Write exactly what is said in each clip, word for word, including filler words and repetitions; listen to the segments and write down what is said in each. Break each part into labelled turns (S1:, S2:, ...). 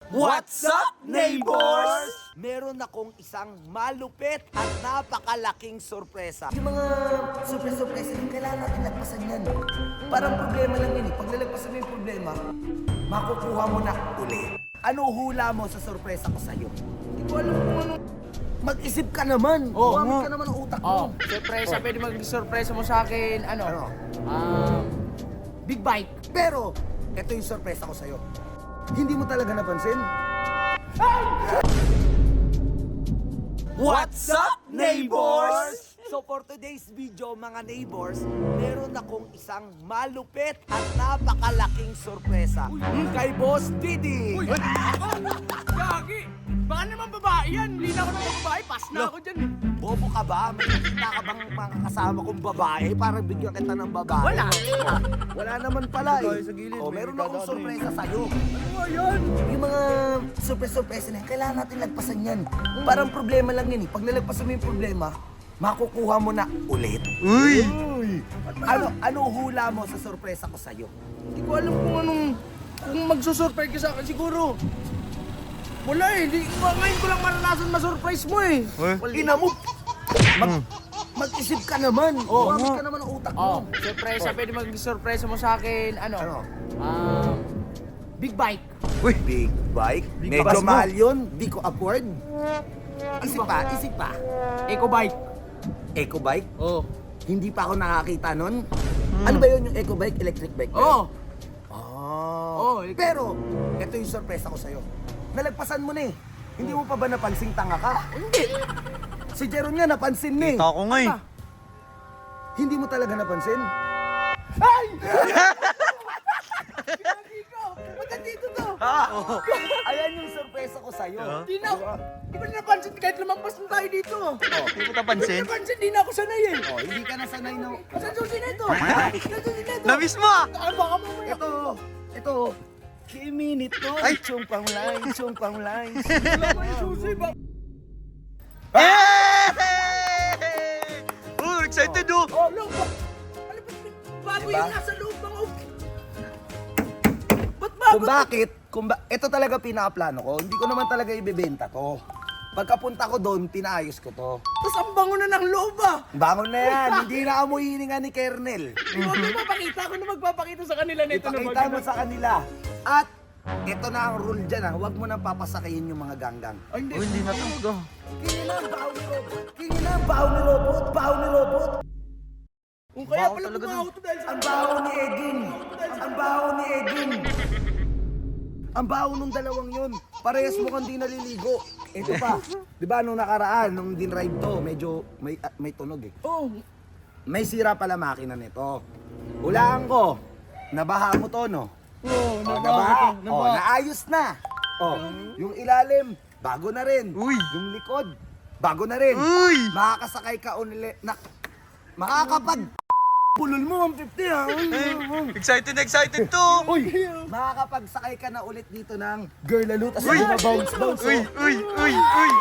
S1: What's up, neighbors? Meron akong isang malupit at napakalaking sorpresa.
S2: Yung mga surprise-surprise, yung kailangan natin lagpasan yan. Parang problema lang yun eh. Pag nalagpasan mo yung problema, makukuha mo na uli.
S1: Ano hula mo sa sorpresa ko sa'yo?
S2: Hindi ko alam kung ano. Mag-isip ka naman.
S3: Oo,
S2: Gumamit
S3: nga.
S2: ka naman ng utak mo.
S3: Oh, surpresa, pwede mag-surpresa mo sa akin, ano?
S1: Ano?
S3: Um, big bike.
S1: Pero, ito yung sorpresa ko sa'yo.
S2: Hindi mo talaga napansin?
S1: What's up, neighbors? So for today's video, mga neighbors, meron akong isang malupit at napakalaking sorpresa kay Boss Didi.
S3: Uy! Gagi! Baka naman babae yan. Hindi na ako naman babae. Pass na ako dyan.
S1: Bobo ka ba? May nakita ka bang mga kasama kong babae? Parang bigyan kita ng babae.
S3: Wala.
S1: Wala naman pala eh.
S2: Tayo sa gilid,
S1: Oh,
S2: may
S1: meron
S2: dadaanan
S1: akong
S2: eh.
S1: sorpresa sa'yo.
S3: Ano yan?
S2: Yung mga surprise-surprise na yan, kailangan natin lagpasan yan. Parang problema lang yan eh. Pag nalagpasan mo yung problema, makukuha mo na ulit.
S1: Uy! Ano, ano hula mo sa sorpresa ko sa'yo?
S3: Hindi ko alam kung anong... Kung magsusurprise ka sa akin, siguro. Wala eh. Di, ngayon ko lang maranasan ma-surprise mo eh.
S2: Ina mo! Mag- mag-isip ka naman.
S3: Oo,
S2: Gumamit
S3: nga.
S2: ka naman ng utak
S3: Oh,
S2: mo.
S3: surpresa. Pwede mag-surpresa mo sa akin, ano?
S1: Ano?
S3: Um, big bike.
S1: Uy! Big bike?
S2: Big
S1: Medyo
S2: bike mo.
S1: mahal yun. Di ko afford. Isip pa, isip pa.
S3: Eco bike.
S1: Eco bike?
S3: Oh.
S1: Hindi pa ako nakakita nun. Ano ba yun yung eco bike? Electric bike ba yun?
S3: Oh.
S1: Oh.
S3: Oh, electric-
S1: Pero, ito yung sorpresa ko sa'yo. Nalagpasan mo na eh. Hindi mo pa ba napansing tanga ka?
S3: Hindi.
S1: Si Jeron nga napansin na eh.
S4: Kita ko nga eh.
S2: Hindi mo talaga napansin?
S3: Ba't nandito to?
S1: Ayan yung sorpresa ko sa'yo.
S3: Di na ako. Di ba napansin kahit lumampas na tayo dito?
S4: Hindi mo
S3: Di
S4: napansin?
S3: napansin, di na ako sanay eh.
S1: Oh, hindi ka nasanay na.
S3: Saan susi na ito? Saan susi na ito?
S4: Na-miss mo ah!
S3: Ah, baka mamaya.
S1: Ito, ito. Kiminit to.
S4: Ay!
S1: Chong pang line, chong pang line.
S3: Wala ko yung susi ba?
S4: Hey! Oh, excited oh!
S3: Oh, look. Ano ba? Bago
S1: Diba?
S3: yung nasa loob ng og. Ba't bago?
S1: Kung bakit, kung ba, ito talaga pinakaplano ko. Hindi ko naman talaga ibebenta to. Pagkapunta ko doon, pinaayos ko to.
S3: Tapos ang bango na ng loob ah.
S1: Bangon na yan. Hindi na amoy hininga ni Kernel.
S3: Huwag mo mapakita. Ako na magpapakita sa kanila nito na
S1: Ipakita mo sa kanila. At ito na ang rule dyan ha. Huwag mo nang papasakihin yung mga ganggang.
S3: Ay, hindi.
S4: Oh, hindi na talaga.
S1: Kingin na ang baho ni Robot. Kingin na ang baho ni Robot. Baho ni Robot.
S3: Kung kaya
S4: Baho
S3: pala
S4: talaga
S3: bumaho to dahil sa...
S1: Ang baho ni Edwin. Ang baho ni Edwin. Ang baho nung dalawang yun. Parehas mo kang di naliligo. Ito pa. Di ba nung nakaraan, nung dinrive to, medyo may, ah, may tunog eh.
S3: Oh,
S1: May sira pala makina nito. Hulaan ko. Nabaha mo to, no?
S3: oh,
S1: Oh,
S3: nabaho
S1: nabaha.
S3: to.
S1: Oh,
S3: Nabaho.
S1: naayos na. Oh, yung ilalim, bago na rin.
S4: Uy.
S1: Yung likod, bago na rin.
S4: Uy!
S1: Makakasakay ka unli na makakapag pulol mo one fifty ha.
S4: Eh, excited na excited to!
S1: Uy, makakapagsakay ka na ulit dito ng girl lalo tas
S4: Uy!
S1: bounce bounce.
S4: Uy! Uy! Uy! Uy!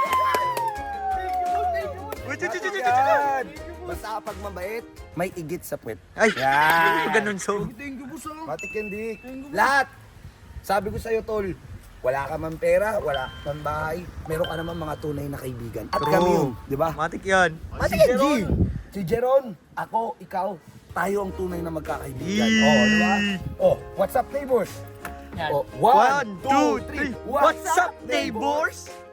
S4: Uy! Chu- chu- chu- chu- chu- chu-
S1: Yan. Basta kapag mabait, may igit sa puwet.
S4: Ay!
S1: Yan.
S4: Ganun so.
S3: Thank you, boss ah.
S1: Matik hindi. Lahat. Sabi ko sa'yo, tol, wala ka man pera, wala ka man bahay, meron ka naman mga tunay na kaibigan. At
S4: True.
S1: kami yun, di ba?
S4: Matik yan.
S1: Si Jeron, si Jeron, ako, ikaw, tayo ang tunay na magkakaibigan.
S4: Yee.
S1: Oh, di ba? Oh, what's up, neighbors?
S3: Yan.
S1: Oh,
S4: One, two, three. What's up, neighbors?